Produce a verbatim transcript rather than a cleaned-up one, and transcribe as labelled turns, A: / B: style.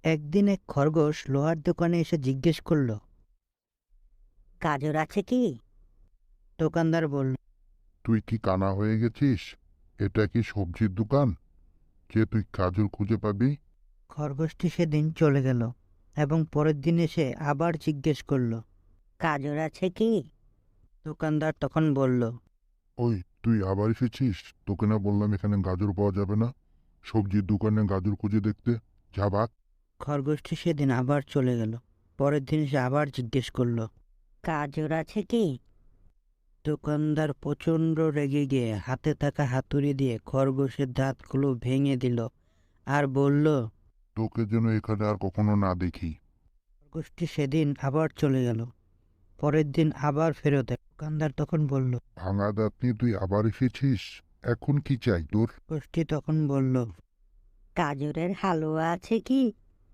A: একদিন এক খরগোশ লোহার দোকানে এসে জিজ্ঞেস করলো, গাজর আছে কি? দোকানদার বলল,
B: তুই কি কানা হয়ে গেছিস? এটা কি সবজির দোকান যে তুই গাজর খুঁজে পাবি?
A: খরগোশটি সেদিন চলে গেল এবং পরের দিন এসে আবার জিজ্ঞেস করলো, গাজর আছে কি? দোকানদার তখন বলল,
B: ওই, তুই আবার এসেছিস? তোকে না বললাম এখানে গাজর পাওয়া যাবে না? সবজির দোকানে গাজর খুঁজে দেখতে। যা ভাগ।
A: খরগোশটি সেদিন আবার চলে গেল। পরের দিন এসে আবার জিজ্ঞেস করলো, গাজর আছে কি? দোকানদার প্রচণ্ড রেগে গিয়ে হাতে থাকা হাতুড়ি দিয়ে খরগোশের দাঁতগুলো ভেঙে দিল আর বলল,
B: তোকে যেন এখানে আর কখনো না দেখি।
A: খরগোশটি সেদিন আবার চলে গেল। পরের দিন আবার ফেরত এলো। দোকানদার তখন বলল,
B: ভাঙা দাঁত নিয়ে তুই আবার এসেছিস? এখন কি চাই তোর?
A: খরগোশটি তখন বলল, গাজরের হালুয়া আছে কি?